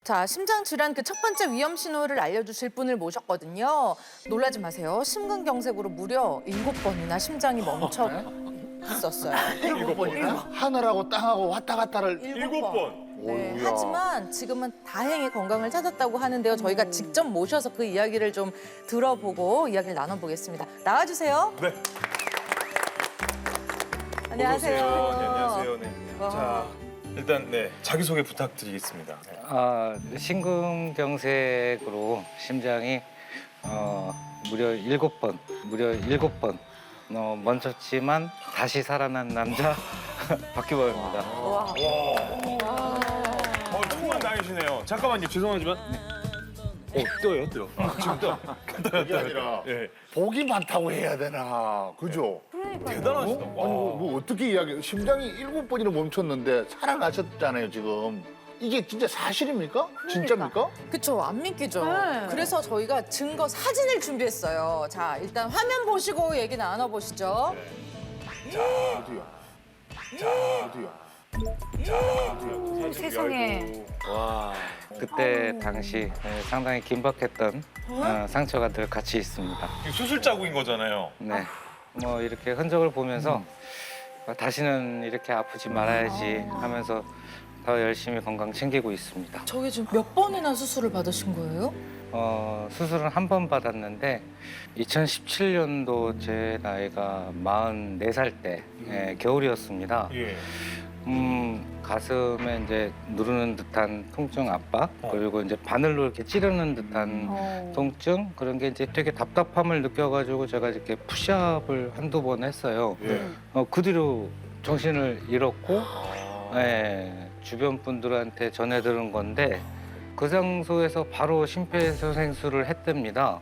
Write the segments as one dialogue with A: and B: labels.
A: 자, 심장 질환 그 첫 번째 위험 신호를 알려주실 분을 모셨거든요. 놀라지 마세요. 심근경색으로 무려 7번이나 심장이 멈췄었어요.
B: 7번이나? 하늘하고 땅하고 왔다 갔다를
A: 7번. 네,
B: 어이구야.
A: 하지만 지금은 다행히 건강을 찾았다고 하는데요. 저희가 직접 모셔서 그 이야기를 좀 들어보고 이야기를 나눠보겠습니다. 나와주세요.
C: 네.
A: 안녕하세요.
C: 네, 안녕하세요. 네.
A: 와.
C: 자, 일단 네 자기소개 부탁드리겠습니다.
D: 심근경색으로 심장이 무려 7번 멈췄지만 다시 살아난 남자 박규범입니다.
A: 와.
C: 정말 나이시네요. 잠깐만요, 죄송하지만. 떠요. 지금 떠.
B: 그게 아니라
C: 예.
B: 복이 많다고 해야 되나, 그죠?
C: 대단하시다.
B: 아니 뭐 어떻게 이야기? 심장이 7번이나 멈췄는데 살아나셨잖아요 지금. 이게 진짜 사실입니까? 진짜입니까?
A: 그쵸, 안 믿기죠.
E: 네.
A: 그래서 저희가 증거 사진을 준비했어요. 자, 일단 화면 보시고 얘기 나눠보시죠.
B: 어디요? 어디요?
E: 세상에.
D: 그때 당시 상당히 긴박했던 상처가 늘 같이 있습니다.
C: 수술 자국인 거잖아요.
D: 네, 뭐 이렇게 흔적을 보면서 다시는 이렇게 아프지 말아야지 하면서 더 열심히 건강 챙기고 있습니다.
A: 저게 지금 몇 번이나 수술을 받으신 거예요?
D: 수술은 한 번 받았는데 2017년도 제 나이가 44살 때 겨울이었습니다.
C: 예.
D: 가슴에 이제 누르는 듯한 통증 압박 그리고 이제 바늘로 이렇게 찌르는 듯한 통증 그런 게 이제 되게 답답함을 느껴가지고 제가 이렇게 푸시업을 한두 번 했어요.
C: 예.
D: 그 뒤로 정신을 잃었고 주변 분들한테 전해 들은 건데 그 장소에서 바로 심폐소생술을 했답니다.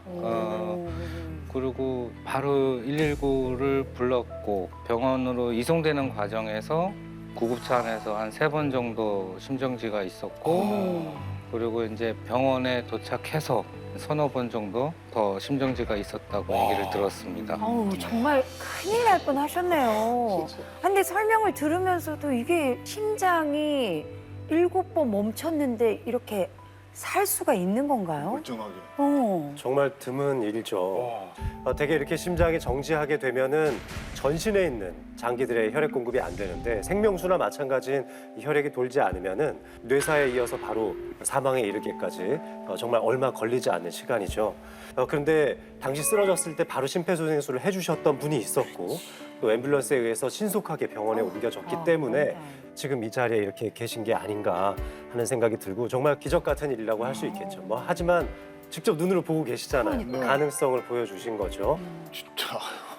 D: 그리고 바로 119를 불렀고 병원으로 이송되는 과정에서 구급차 안에서 한 3번 정도 심정지가 있었고 그리고 이제 병원에 도착해서 서너 번 정도 더 심정지가 있었다고 얘기를 들었습니다.
E: 어우, 정말 큰일 날 뻔 하셨네요. 근데 설명을 들으면서도 이게 심장이 7번 멈췄는데 이렇게 살 수가 있는 건가요?
B: 멀쩡하게.
F: 정말 드문 일이죠. 대개 이렇게 심장이 정지하게 되면은 전신에 있는 장기들의 혈액 공급이 안 되는데 생명수나 마찬가지인 이 혈액이 돌지 않으면은 뇌사에 이어서 바로 사망에 이르기까지 정말 얼마 걸리지 않는 시간이죠. 그런데 당시 쓰러졌을 때 바로 심폐소생술을 해주셨던 분이 있었고 또 앰뷸런스에 의해서 신속하게 병원에 옮겨졌기 때문에 지금 이 자리에 이렇게 계신 게 아닌가 하는 생각이 들고 정말 기적 같은 일이라고 할 수 있겠죠. 뭐 하지만 직접 눈으로 보고 계시잖아요. 가능성을 보여주신 거죠.
B: 진짜.